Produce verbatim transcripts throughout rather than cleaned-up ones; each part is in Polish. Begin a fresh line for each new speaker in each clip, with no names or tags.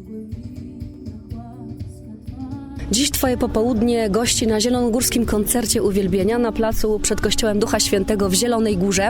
Dziś Twoje popołudnie gości na zielonogórskim koncercie uwielbienia na placu przed kościołem Ducha Świętego w Zielonej Górze.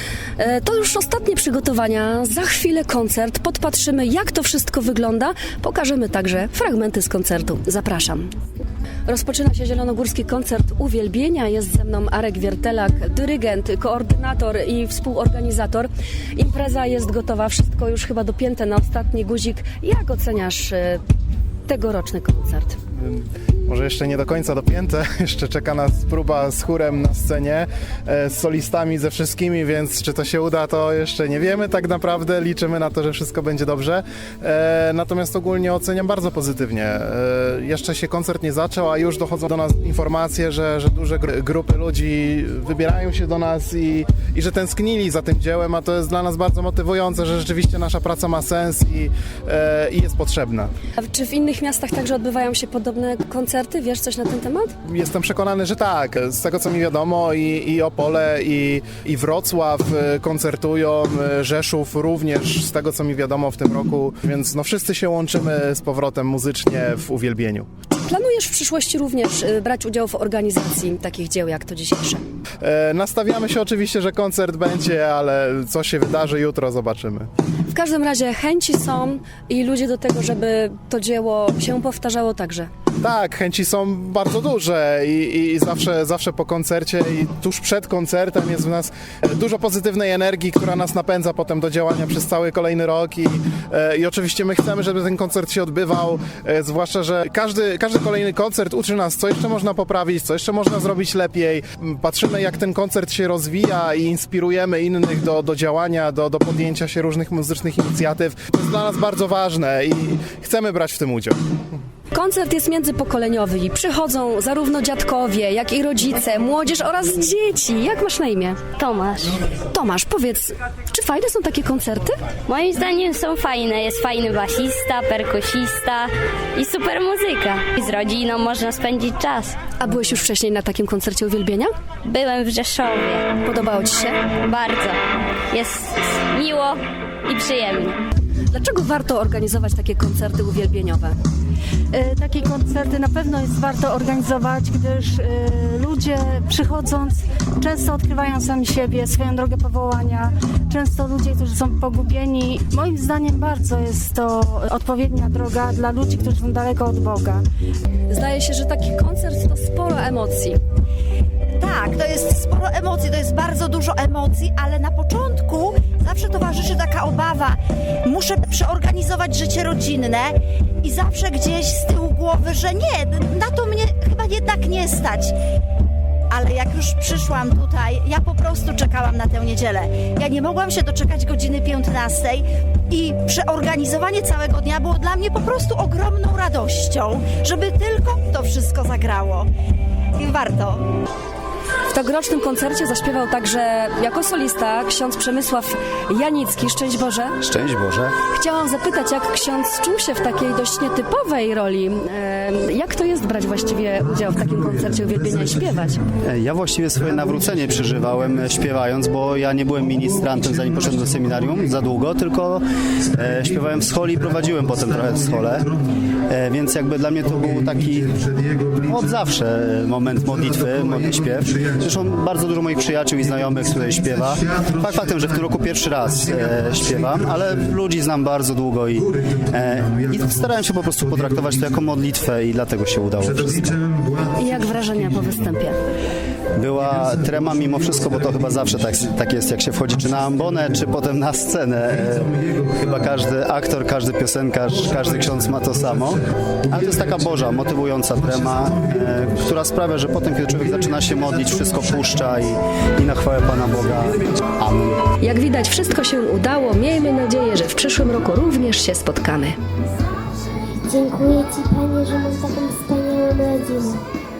E, To już ostatnie przygotowania, za chwilę koncert, podpatrzymy jak to wszystko wygląda, pokażemy także fragmenty z koncertu. Zapraszam. Rozpoczyna się zielonogórski koncert uwielbienia. Jest ze mną Arek Wiertelak, dyrygent, koordynator i współorganizator. Impreza jest gotowa, wszystko już chyba dopięte na ostatni guzik. Jak oceniasz e, tegoroczny koncert?
Może jeszcze nie do końca dopięte, jeszcze czeka nas próba z chórem na scenie, e, z solistami, ze wszystkimi, więc czy to się uda, to jeszcze nie wiemy tak naprawdę, liczymy na to, że wszystko będzie dobrze, e, natomiast ogólnie oceniam bardzo pozytywnie. E, jeszcze się koncert nie zaczął, a już dochodzą do nas informacje, że, że duże gr- grupy ludzi wybierają się do nas i, i że tęsknili za tym dziełem, a to jest dla nas bardzo motywujące, że rzeczywiście nasza praca ma sens i, e, i jest potrzebna.
A czy w innych miastach także odbywają się podobne koncerty? Wiesz coś na ten temat?
Jestem przekonany, że tak. Z tego co mi wiadomo i, i Opole i, i Wrocław e, koncertują, e, Rzeszów również z tego co mi wiadomo w tym roku, więc no wszyscy się łączymy z powrotem muzycznie w uwielbieniu.
Planujesz w przyszłości również y, brać udział w organizacji takich dzieł jak to dzisiejsze?
E, nastawiamy się oczywiście, że koncert będzie, ale co się wydarzy jutro zobaczymy.
W każdym razie chęci są i ludzie do tego, żeby to dzieło się powtarzało także.
Tak, chęci są bardzo duże i, i zawsze, zawsze po koncercie i tuż przed koncertem jest w nas dużo pozytywnej energii, która nas napędza potem do działania przez cały kolejny rok i, e, i oczywiście my chcemy, żeby ten koncert się odbywał, e, zwłaszcza, że każdy, każdy kolejny koncert uczy nas, co jeszcze można poprawić, co jeszcze można zrobić lepiej. Patrzymy, jak ten koncert się rozwija i inspirujemy innych do, do działania, do, do podjęcia się różnych muzycznych inicjatyw. To jest dla nas bardzo ważne i chcemy brać w tym udział.
Koncert jest międzypokoleniowy i przychodzą zarówno dziadkowie, jak i rodzice, młodzież oraz dzieci. Jak masz na imię?
Tomasz.
Tomasz, powiedz, czy fajne są takie koncerty?
Moim zdaniem są fajne. Jest fajny basista, perkusista i super muzyka. I z rodziną można spędzić czas.
A byłeś już wcześniej na takim koncercie uwielbienia?
Byłem w Rzeszowie.
Podobało Ci się?
Bardzo. Jest miło i przyjemnie.
Dlaczego warto organizować takie koncerty uwielbieniowe?
E, Takie koncerty na pewno jest warto organizować, gdyż e, ludzie przychodząc często odkrywają sami siebie, swoją drogę powołania. Często ludzie, którzy są pogubieni. Moim zdaniem bardzo jest to odpowiednia droga dla ludzi, którzy są daleko od Boga.
Zdaje się, że taki koncert to sporo emocji.
Tak, to jest sporo emocji, to jest bardzo dużo emocji, ale na początku zawsze towarzyszy taka obawa. Muszę przeorganizować życie rodzinne i zawsze gdzieś z tyłu głowy, że nie, na to mnie chyba jednak nie stać. Ale jak już przyszłam tutaj, ja po prostu czekałam na tę niedzielę. Ja nie mogłam się doczekać godziny piętnastej i przeorganizowanie całego dnia było dla mnie po prostu ogromną radością, żeby tylko to wszystko zagrało. I warto.
W tegorocznym koncercie zaśpiewał także jako solista ksiądz Przemysław Janicki. Szczęść Boże.
Szczęść Boże.
Chciałam zapytać, jak ksiądz czuł się w takiej dość nietypowej roli. E, Jak to jest brać właściwie udział w takim koncercie uwielbienia i śpiewać?
Ja właściwie swoje nawrócenie przeżywałem e, śpiewając, bo ja nie byłem ministrantem zanim poszedłem do seminarium za długo, tylko e, śpiewałem w schole i prowadziłem potem trochę w schole, e, więc jakby dla mnie to był taki od zawsze moment modlitwy, modli śpiew. Zresztą bardzo dużo moich przyjaciół i znajomych tutaj śpiewa. Fakt faktem, że w tym roku pierwszy raz e, śpiewam, ale ludzi znam bardzo długo i, e, i starałem się po prostu potraktować to jako modlitwę i dlatego się udało wszystko.
I jak wrażenia po występie?
Była trema mimo wszystko, bo to chyba zawsze tak, tak jest, jak się wchodzi czy na ambonę, czy potem na scenę. E, chyba każdy aktor, każdy piosenkarz, każdy ksiądz ma to samo. Ale to jest taka Boża, motywująca trema, e, która sprawia, że potem, kiedy człowiek zaczyna się modlić, wszystko puszcza i, i na chwałę Pana Boga. Amen.
Jak widać, wszystko się udało. Miejmy nadzieję, że w przyszłym roku również się spotkamy.
Dziękuję Ci, Panie, że mam taką wspaniałą rodzinę.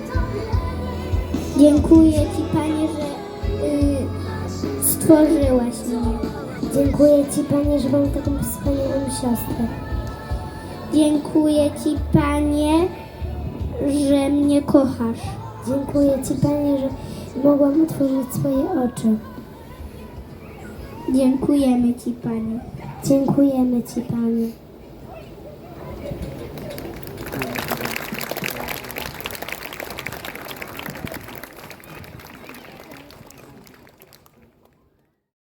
Dziękuję Ci, Panie, że y, stworzyłaś mnie. Dziękuję Ci, Panie, że mam taką wspaniałą siostrę. Dziękuję Ci, Panie, że mnie kochasz. Dziękuję Ci, Panie, że mogłam otworzyć swoje oczy. Dziękujemy Ci, Panie. Dziękujemy Ci, Panie.